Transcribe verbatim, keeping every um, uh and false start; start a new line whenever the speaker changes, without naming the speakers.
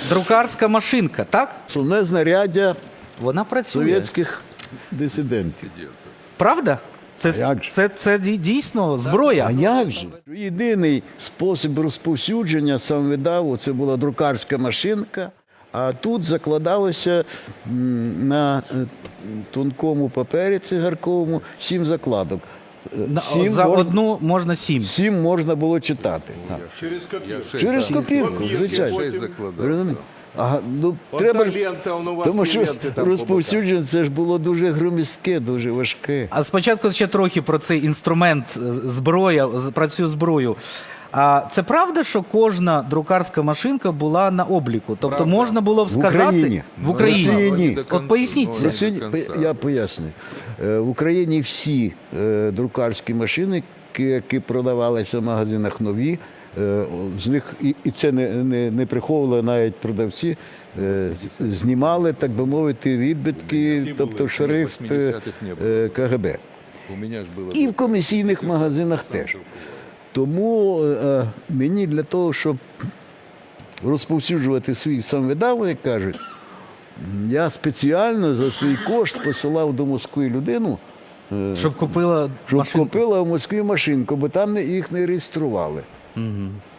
друкарська машинка, так?
Основне знаряддя
Вона працює.
совєтських дисидентів.
Правда? Це,
А як же?
це, це дій- дійсно зброя.
А як же? Єдиний спосіб розповсюдження самовидаву – це була друкарська машинка, а тут закладалося м, на е, тонкому папері цигарковому сім закладок. Е,
На-
Сім
За
можна,
одну можна сім.
сім можна було читати. Так.
Через копірку.
Через копірку,
Копірки
звичайно.
потім.
Розумієте? Ага, ну,
От
треба
та
ж,
лента, воно у вас
тому
і
що
ленти там
розповсюдження це ж було дуже громіздке, дуже важке.
А спочатку ще трохи про цей інструмент, е, зброя, з- про цю зброю. А це правда, що кожна друкарська машинка була на обліку? Тобто
Правда.
можна було б
В
сказати
Україні.
в Україні.
В Росії ні.
До
От
кінця,
поясніть
ну,
це.
до
Росії-
кінця.
Я поясню. Е, В Україні всі е, друкарські машини, ки- які продавалися в магазинах нові, е, з них, і, і це не, не, не приховували навіть продавці, е, з- знімали, так би мовити, відбитки, тобто шрифт е, е, ка ге бе.
У мене ж було.
І в комісійних магазинах теж. Тому е, мені для того, щоб розповсюджувати свій самовидав, як кажуть, я спеціально за свій кошт посилав до Москви людину, е,
Щоб купила
щоб
машинку.
купила в Москві машинку, бо там не- їх не реєстрували.
Мгм.